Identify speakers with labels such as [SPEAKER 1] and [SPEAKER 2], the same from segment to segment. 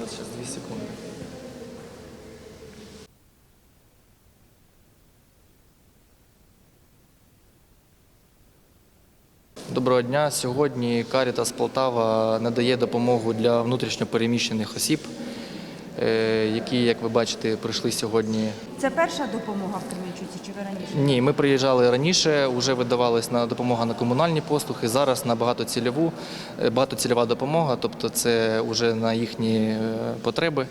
[SPEAKER 1] зараз 2 секунди. Доброго дня. Сьогодні Карітас Полтава надає допомогу для внутрішньо переміщених осіб, які, як ви бачите, прийшли сьогодні.
[SPEAKER 2] Це перша допомога в Кременчуці чи ви раніше?
[SPEAKER 1] Ні, ми приїжджали раніше, вже видавалась допомога на комунальні послуги, зараз на багатоцільова допомога, тобто це вже на їхні потреби.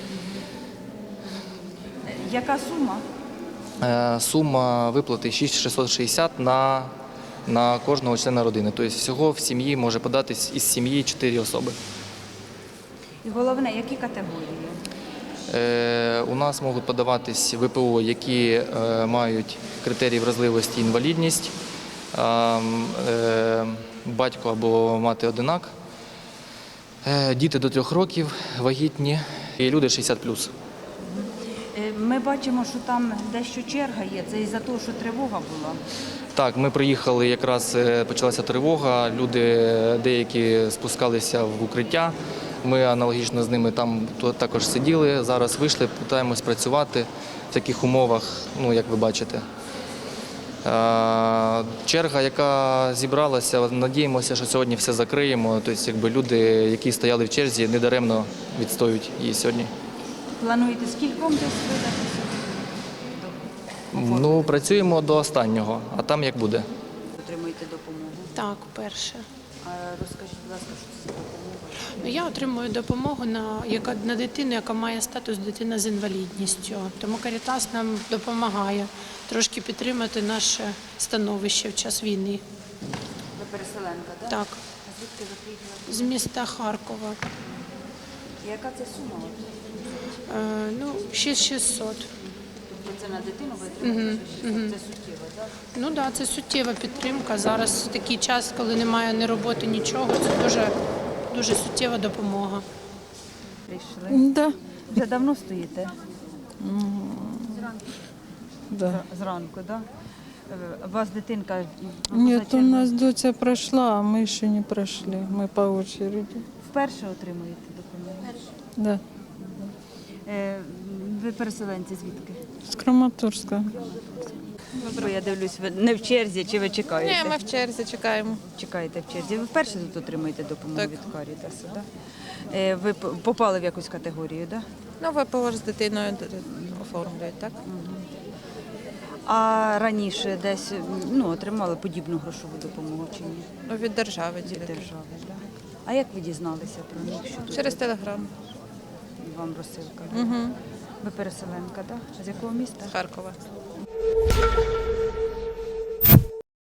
[SPEAKER 2] Яка сума?
[SPEAKER 1] Сума виплати 6660 на кожного члена родини. Тобто всього в сім'ї може податись із сім'ї 4 особи.
[SPEAKER 2] І головне, які категорії?
[SPEAKER 1] У нас можуть подаватись ВПО, які мають критерії вразливості, інвалідність, батько або мати одинак, діти до 3 років, вагітні і люди 60+.
[SPEAKER 2] Ми бачимо, що там дещо черга є. Це із-за того, що тривога була.
[SPEAKER 1] Так, ми приїхали, якраз почалася тривога, люди деякі спускалися в укриття. Ми аналогічно з ними там також сиділи, зараз вийшли, намагаємось працювати в таких умовах, як ви бачите. Черга, яка зібралася, надіємося, що сьогодні все закриємо. Тобто, люди, які стояли в черзі, недаремно відстоюють її сьогодні.
[SPEAKER 2] Плануєте скільком десь видати?
[SPEAKER 1] Працюємо до останнього, а там як буде.
[SPEAKER 2] Отримуєте допомогу?
[SPEAKER 3] Так, перше.
[SPEAKER 2] Розкажіть, будь ласка, що це за допомога?
[SPEAKER 3] Я отримую допомогу на дитину, яка має статус дитина з інвалідністю. Тому Карітас нам допомагає трошки підтримати наше становище в час війни.
[SPEAKER 2] Ви переселенка, так?
[SPEAKER 3] Так,
[SPEAKER 2] А звідки ви приїхали?
[SPEAKER 3] з міста Харкова.
[SPEAKER 2] Яка це сума?
[SPEAKER 3] 6600.
[SPEAKER 2] Тобто це на дитину ви отримуєте? Це суттєво, так?
[SPEAKER 3] Так, це суттєва підтримка. Зараз такий час, коли немає ні роботи, нічого. Це дуже суттєва допомога.
[SPEAKER 2] Прийшли?
[SPEAKER 4] Да.
[SPEAKER 2] Вже давно стоїте?
[SPEAKER 4] Да.
[SPEAKER 2] Зранку, так? У вас дитинка?
[SPEAKER 4] Нет, у нас доча прошла, а мы еще не прошли. Мы по очереди.
[SPEAKER 2] Вперше отримуєте допомогу?
[SPEAKER 4] Да.
[SPEAKER 2] Ви переселенці звідки?
[SPEAKER 4] С Краматорска.
[SPEAKER 2] Бо я дивлюсь, ви не в черзі, чи ви чекаєте?
[SPEAKER 5] Ні, ми в черзі чекаємо.
[SPEAKER 2] Чекаєте в черзі. Ви вперше тут отримуєте допомогу
[SPEAKER 5] Так.
[SPEAKER 2] від Карітасу, так? Ви попали в якусь категорію, так?
[SPEAKER 5] Ну, ВПО ж з дитиною оформлюють, так?
[SPEAKER 2] А раніше десь отримали подібну грошову допомогу чи ні?
[SPEAKER 5] Ну, від держави
[SPEAKER 2] Від
[SPEAKER 5] тільки.
[SPEAKER 2] держави, так? А як ви дізналися про них? Що тут
[SPEAKER 5] Через Телеграм.
[SPEAKER 2] вам розсилка?
[SPEAKER 5] Угу.
[SPEAKER 2] Ви переселенка, так? З якого міста?
[SPEAKER 5] Харкова.